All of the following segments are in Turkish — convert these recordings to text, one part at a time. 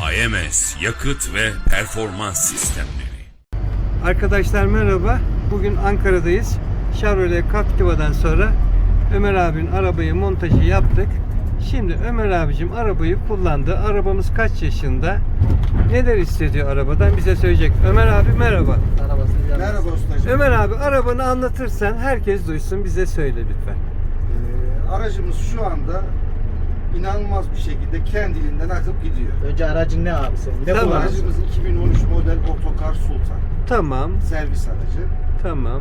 AMS Yakıt ve Performans Sistemleri. Arkadaşlar merhaba. Bugün Ankara'dayız. Chevrolet Captiva'dan sonra Ömer abinin arabayı montajı yaptık. Şimdi Ömer abicim arabayı kullandı. Arabamız kaç yaşında? Neler hissediyor arabadan bize söyleyecek. Ömer abi merhaba. Merhaba ustacığım. Ömer abi arabanı anlatırsan herkes duysun, bize söyle lütfen. Aracımız şu anda inanılmaz bir şekilde kendiliğinden akıp gidiyor. Önce aracın ne abi senin? Ne Tamam. kullanıyorsun? Aracımız 2013 model Otokar Sultan. Tamam. Servis aracı. Tamam.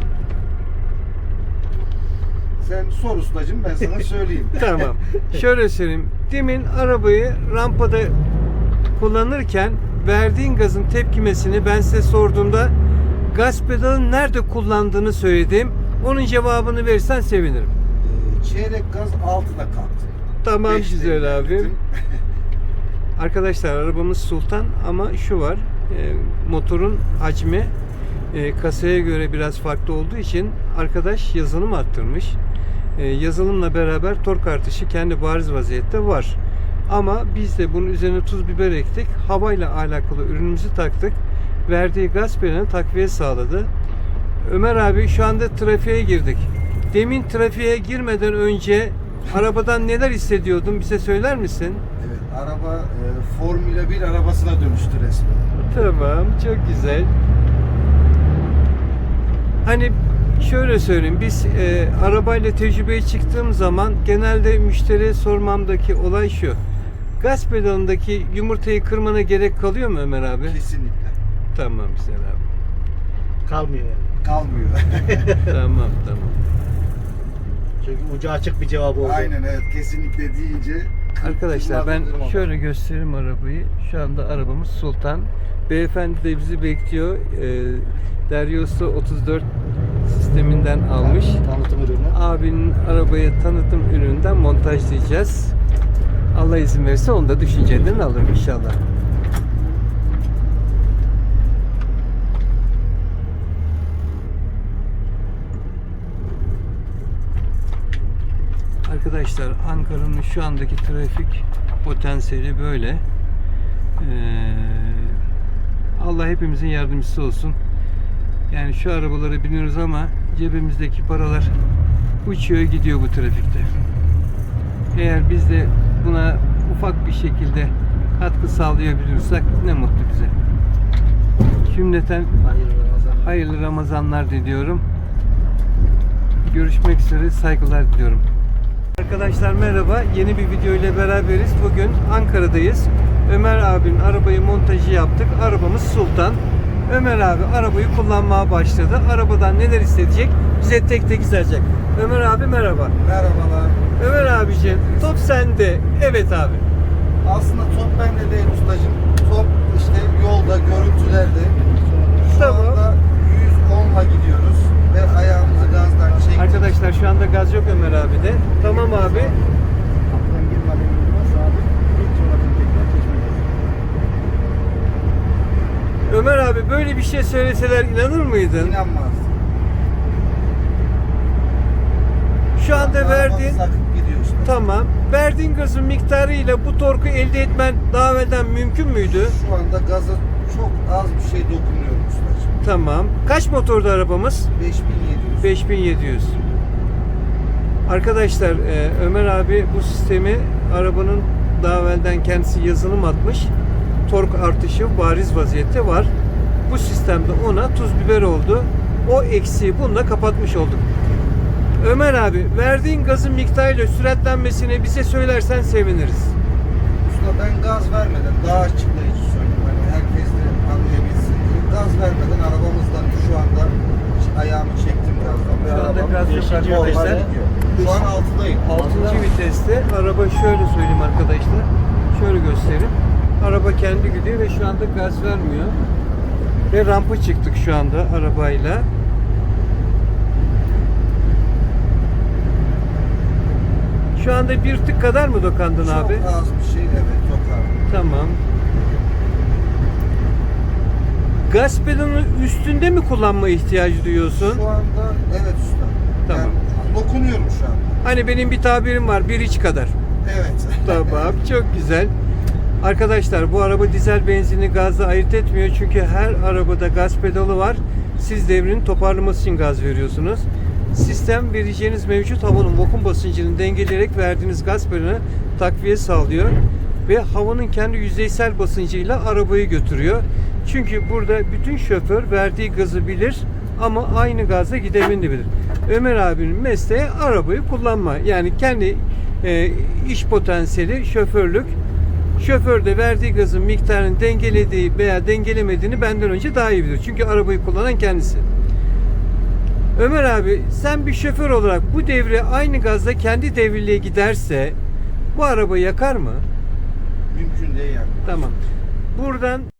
Sen sor ustacığım, ben sana söyleyeyim. Tamam. Şöyle söyleyeyim. Demin arabayı rampada kullanırken verdiğin gazın tepkimesini ben size sorduğumda gaz pedalını nerede kullandığını söyledim. Onun cevabını verirsen sevinirim. Çeyrek gaz 6'da kalktı. Tamam, 5'te güzel abi. ilerledim. Arkadaşlar arabamız Sultan ama şu var. Motorun hacmi kasaya göre biraz farklı olduğu için arkadaş yazılım arttırmış. Yazılımla beraber tork artışı kendi bariz vaziyette var. Ama biz de bunun üzerine tuz biber ektik. Havayla alakalı ürünümüzü taktık. Verdiği gaz pedalına takviye sağladı. Ömer abi şu anda trafiğe girdik. Demin trafiğe girmeden önce arabadan neler hissediyordun? Bize söyler misin? Evet, araba Formula 1 arabasına dönüştü resmen. Tamam, çok güzel. Hani şöyle söyleyeyim, biz arabayla tecrübeye çıktığım zaman genelde müşteriye sormamdaki olay şu. Gaz pedalındaki yumurtayı kırmana gerek kalıyor mu Ömer abi? Kesinlikle. Tamam güzel abi. Kalmıyor yani. Kalmıyor. Tamam. Çünkü ucu açık bir cevap oldu. Aynen, evet, kesinlikle deyince. Arkadaşlar ben Kırmızı şöyle göstereyim arabayı. Şu anda arabamız Sultan. Beyefendi de bizi bekliyor. Deryosu 34 sisteminden almış. Tanıtım ürünü. Abinin arabayı tanıtım ürününden montajlayacağız. Allah izin verirse onu da düşüncelerini alırım inşallah. Arkadaşlar Ankara'nın şu andaki trafik potansiyeli böyle. Allah hepimizin yardımcısı olsun. Yani şu arabalara biniyoruz ama cebimizdeki paralar uçuyor gidiyor bu trafikte. Eğer biz de buna ufak bir şekilde katkı sağlayabilirsek ne mutlu bize. Cümleten hayırlı Ramazanlar diliyorum. Görüşmek üzere, saygılar diliyorum. Arkadaşlar merhaba. Yeni bir video ile beraberiz. Bugün Ankara'dayız. Ömer abinin arabayı montajı yaptık. Arabamız Sultan. Ömer abi arabayı kullanmaya başladı. Arabadan neler hissedecek bize tek tek izleyecek. Ömer abi merhaba. Merhabalar. Ömer abiciğim top sende. Evet abi. Aslında top bende değil ustacığım. Top işte yolda, görüntülerde. Şu Tamam. anda 110'la gidiyoruz ve ayağımızı gazdan çektik. Arkadaşlar şu anda gaz yok Ömer abi de. Tamam abi. Kapıdan girmeden önce sabit. İlk sonradan tekrar geçmeyeceğiz. Ömer abi böyle bir şey söyleseler inanır mıydın? İnanmazdım. Şu anda verdiğin Sakıp gidiyorsun. tamam. Verdiğin gazın miktarıyla bu torku elde etmen daha evvelden mümkün müydü? Şu anda gaza çok az bir şey dokunuyorum ustacığım. Tamam. Kaç motorlu arabamız? 5700. 5700. Arkadaşlar Ömer abi bu sistemi arabanın daha evvelden kendisi yazılım atmış. Tork artışı bariz vaziyette var. Bu sistemde ona tuz biber oldu. O eksiği bununla kapatmış olduk. Ömer abi verdiğin gazın miktarıyla süratlenmesini bize söylersen seviniriz. Usta ben gaz vermeden daha açıklayıcı söyleyeyim. Hani herkes de anlayabilsin diye. Gaz vermeden arabamızdan şu anda ayağımı çektim gazdan. Ve Şu anda arabam gaz yok yeşil arkadaşlar. yolda gidiyor. Şu an 6'dayım. 6. viteste araba şöyle söyleyeyim arkadaşlar. Şöyle göstereyim. Araba kendi gidiyor ve şu anda gaz vermiyor. Ve rampa çıktık şu anda arabayla. Şu anda bir tık kadar mı dokandın abi? Çok az bir şey, evet, çok az. Tamam. Gaz pedalının üstünde mi kullanma ihtiyacı duyuyorsun? Şu anda evet usta. Tamam. Yani dokunuyorum şu an. Hani benim bir tabirim var, bir iç kadar. Evet. Tamam, çok güzel. Arkadaşlar bu araba dizel benzinli gazla ayırt etmiyor. Çünkü her arabada gaz pedalı var. Siz devrini toparlaması için gaz veriyorsunuz. Sistem vereceğiniz mevcut havanın vakum basıncını dengeleyerek verdiğiniz gaz pedalına takviye sağlıyor. Ve havanın kendi yüzeysel basıncıyla arabayı götürüyor. Çünkü burada bütün şoför verdiği gazı bilir ama aynı gazla gidemini de bilir. Ömer abinin mesleği arabayı kullanma. Yani kendi iş potansiyeli şoförlük. Şoför de verdiği gazın miktarını dengelediği veya dengelemediğini benden önce daha iyi bilir. Çünkü arabayı kullanan kendisi. Ömer abi sen bir şoför olarak bu devre aynı gazla kendi devirliğe giderse bu arabayı yakar mı? Mümkün değil yani. Tamam. Buradan